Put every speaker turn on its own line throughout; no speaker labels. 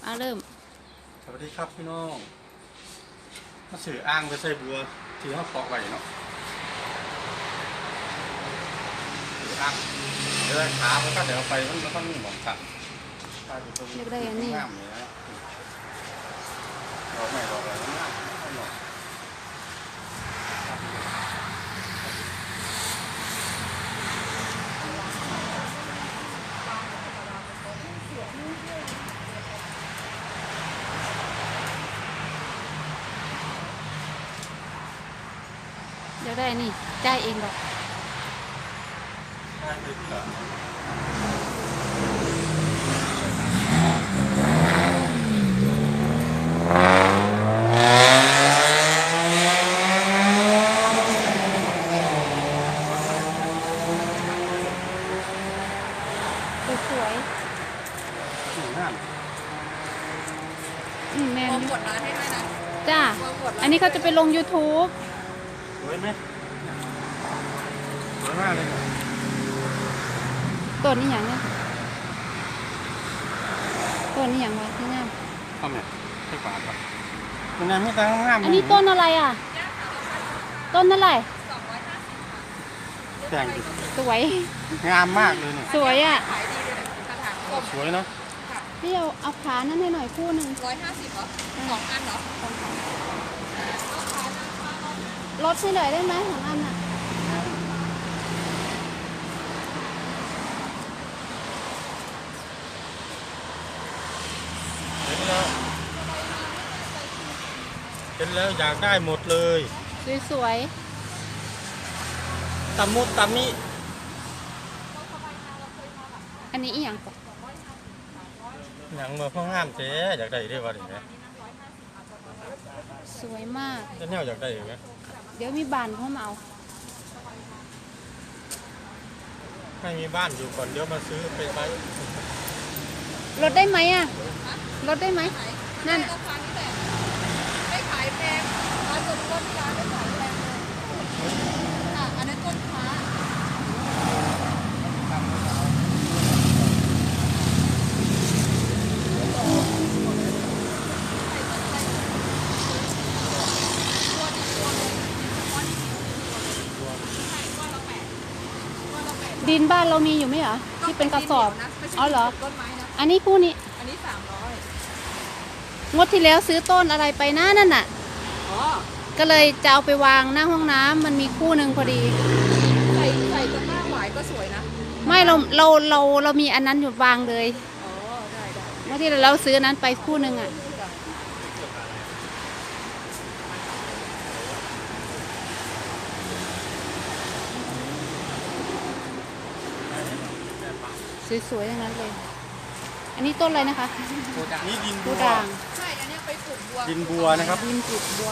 เริ่ม
สวัสดีครับพี่น้องมาสื่ออ้างไปใส่บัวที่เขาเกาะไว้เนาะสื่ออ้างเดี๋ยวขามันก็เดี๋ยวไปมันต้องมีหมองสั่น
เรียกได้อันนี้
งามเลยนะเราไม่บอกอะไรงามหน่อย
เรียกได้อันนี้จ่ายเองหรอก
ใช่เลยค่ะ
สวย
งาม
แมน
วงกดร้านให้ด้วยนะ
จ้าอันนี้เขาจะไปลง YouTube
สวยไหมสวยมากเลย
ต้นนี้อย่างเนี้ยต้นนี้อย่างวะที่งาม
ทำไงใช่กว่าครับมันยังไม่ตั้งงาม
อันนี้ต้นอะไรอ่ะ ต้นอะไร
แต่ง
สวย
งามมากเลยเนี่ย
สวยอ่ะ
ขายดีเลยกระถางกลม
สวยเนาะ
พี่เอาขานั่นให้หน่อยคู่หนึ่ง
150เหรอ2 อันเหรอ
ลดให้หน่อยได้ไหมของอันอ่ะ
เห็นแล้วอยากได้หมดเลย
สวย
ตำมุดตำมิ
ๆอันนี้อีกอย่างก่อน
อย่างมาพ่องามเจ๊อยากได้ได้ว่าอย่างเงี้ย
สวยมาก
จะแนวอยากได้อย่างเงี้ย
เดี๋ยวมีบานเข้ามาเอา
ไม่มีบ้านอยู่ก่อนเดี๋ยวมาซื้อไปใช้
ลดได้ไหมอ่ะลดได้ไหมนั่น
ราคานี้แหละไม่ขายแพงร้านต้นที่ร้านไม่ขายแพงเลยค่ะอันนั้นต้นฟ้า
ดินบ้านเรามีอยู่ไหมเหรอที่เป็นกระสอบอ๋อเหรอ
ต้นไม้นะ
อันนี้คู่นี้
อันนี้300
งดที่แล้วซื้อต้นอะไรไปนะนั่นน่ะ
อ๋อ
ก็เลยจะเอาไปวางหน้าห้องน้ำมันมีคู่หนึ่งพอดี
ใส่ต้นหน้าหวายก็สวยนะ
ไม่เรามีอันนั้นอยู่วางเลย
อ๋อได้
งดที่เราซื้ออันนั้นไปคู่หนึ่งอ่ะสวยๆอย่างนั้นเลย อันนี้ต้นอะไรนะคะ
นี่ดินบั
ผู้
ว
ด่าง
ใช่อันนี้ไปปลูกบัว
ดินบัวนะครับ
ดินปลูกบัว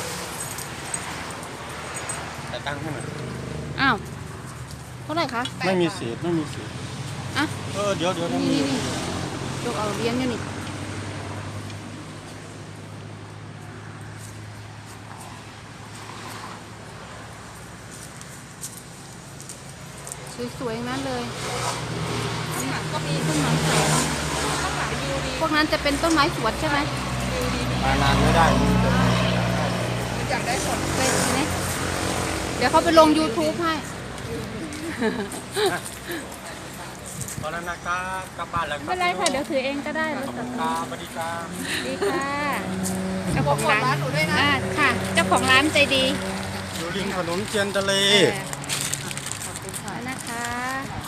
แต่ตั้งให้หน่อย
อ้าวเท่าไหร่คะ
ไม่มีเศษไม่มีเศษ
อ่ะ
เดี๋ยวถ้ามี
นี่ยกเอาเลี้ยงอยู่นี่สวยๆอย่างนั้นเลย
ข้างหลังก็มี
ต้นไม้สวย
ข้างหลังวิวดี
พวกนั้นจะเป็นต้นไม้สวนใช่ไหม
วิวดี
มานานไม่ได้มีแต่
อยากได้ผล
เป็นไหมเดี๋ยวเขาไปลง YouTube ให้
ตอนนั้นนะกลับบ้านแล้ว
ไม่เป็นไรค่ะ เดี๋ยวถือเองก็ได้รถตัด
ตาบดีตา
ดีค่ะเจ้า
บ
ข
อ
อก ง
กด
ร้าน
ร้านหนูด้วยนะ
ค่ะ เจ้าของร้านใจดี
อยู่ริมถนนเทียนทะเล
ขอบคุณค่ะนะคะ